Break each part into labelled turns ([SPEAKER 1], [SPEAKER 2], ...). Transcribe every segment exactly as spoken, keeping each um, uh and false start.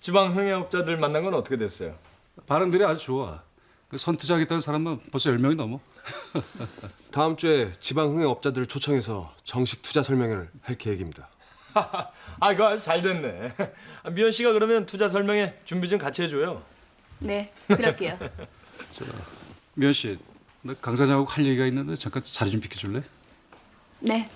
[SPEAKER 1] 지방 흥행업자들 만난 건 어떻게 됐어요?
[SPEAKER 2] 반응들이 아주 좋아. 그 선투자하겠다는 사람만 벌써 열 명이 넘어.
[SPEAKER 3] 다음 주에 지방 흥행업자들을 초청해서 정식 투자 설명회를 할 계획입니다.
[SPEAKER 1] 아 이거 아주 잘 됐네. 아, 미연 씨가 그러면 투자 설명회 준비 좀 같이 해줘요.
[SPEAKER 4] 네, 그럴게요.
[SPEAKER 2] 미연 씨, 나 강 사장하고 할 얘기가 있는데 잠깐 자리 좀 비켜줄래?
[SPEAKER 4] 네.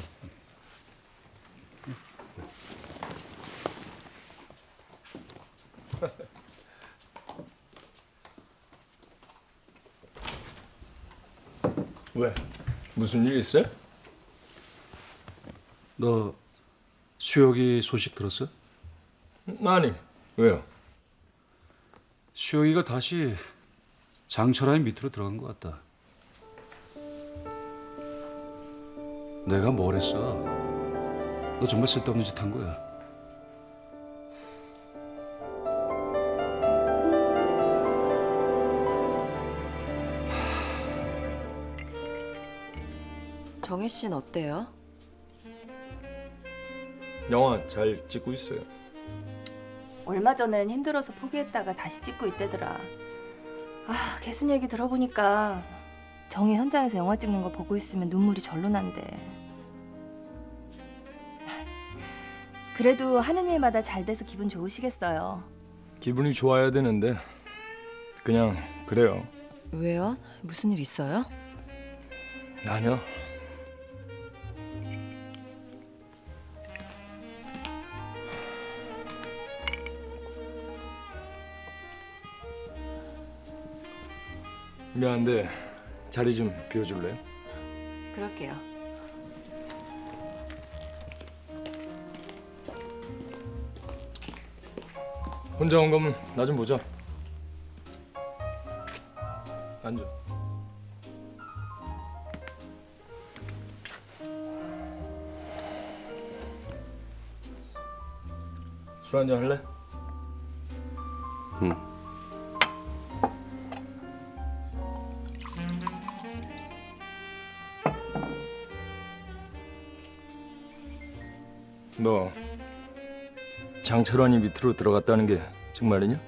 [SPEAKER 1] 왜? 무슨 일 있어요?
[SPEAKER 2] 너 수혁이 소식 들었어?
[SPEAKER 1] 아니 왜요?
[SPEAKER 2] 수혁이가 다시 장철아의 밑으로 들어간 것 같다. 내가 뭘 했어? 너 정말 쓸데없는 짓 한 거야.
[SPEAKER 5] 정혜 씨는 어때요?
[SPEAKER 1] 영화 잘 찍고 있어요.
[SPEAKER 4] 얼마 전엔 힘들어서 포기했다가 다시 찍고 있대더라. 아, 개순 얘기 들어보니까 정희 현장에서 영화 찍는 거 보고 있으면 눈물이 절로 난대. 그래도 하는 일마다 잘 돼서 기분 좋으시겠어요.
[SPEAKER 1] 기분이 좋아야 되는데 그냥 그래요.
[SPEAKER 5] 왜요? 무슨 일 있어요?
[SPEAKER 1] 아니요. 미안한데 자리 좀 비워줄래요?
[SPEAKER 5] 그럴게요.
[SPEAKER 1] 혼자 온 거면 나 좀 보자. 앉아. 술 한잔 할래?
[SPEAKER 3] 응.
[SPEAKER 1] 너 장철환이 밑으로 들어갔다는 게 정말이냐?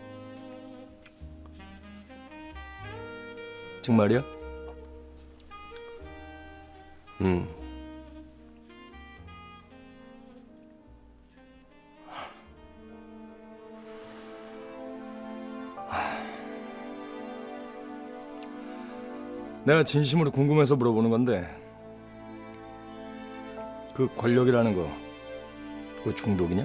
[SPEAKER 1] 정말이야?
[SPEAKER 3] 응.
[SPEAKER 1] 내가 진심으로 궁금해서 물어보는 건데 그 권력이라는 거 그거 중독이냐?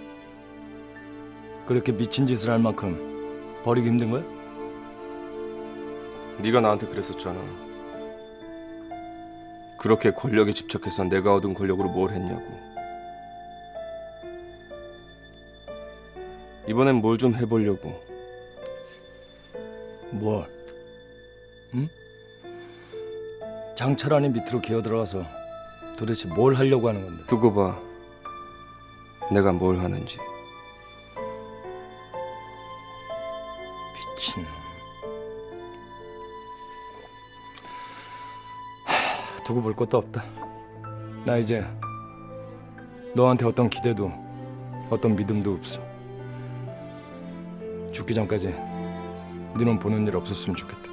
[SPEAKER 1] 그렇게 미친 짓을 할 만큼 버리기 힘든 거야?
[SPEAKER 3] 네가 나한테 그랬었잖아. 그렇게 권력에 집착해서 내가 얻은 권력으로 뭘 했냐고. 이번엔 뭘 좀 해보려고.
[SPEAKER 1] 뭘? 응? 장철환이 밑으로 기어 들어가서 도대체 뭘 하려고 하는 건데?
[SPEAKER 3] 두고 봐. 내가 뭘 하는지.
[SPEAKER 1] 미친. 하, 두고 볼 것도 없다. 나 이제 너한테 어떤 기대도 어떤 믿음도 없어. 죽기 전까지 네 눈 보는 일 없었으면 좋겠다.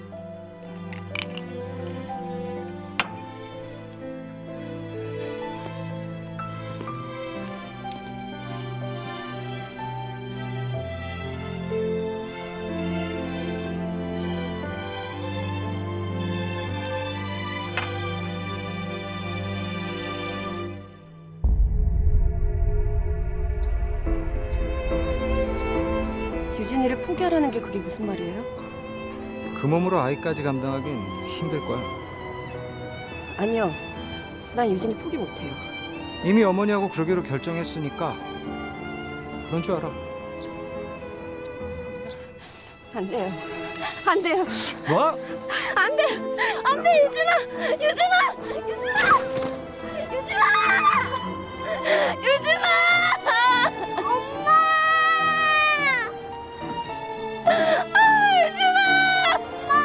[SPEAKER 6] 유진이를 포기하라는 게 그게 무슨 말이에요?
[SPEAKER 7] 그 몸으로 아이까지 감당하긴 힘들 거야.
[SPEAKER 6] 아니요. 난 유진이 포기 못해요.
[SPEAKER 7] 이미 어머니하고 그러기로 결정했으니까 그런 줄 알아.
[SPEAKER 6] 안 돼요. 안 돼요.
[SPEAKER 7] 뭐?
[SPEAKER 6] 안 돼. 안 돼, 유진아. 유진아. 유진아. 유진아. 유진아. 엄마. 아, 유진아.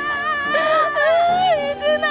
[SPEAKER 6] 아, 유진아.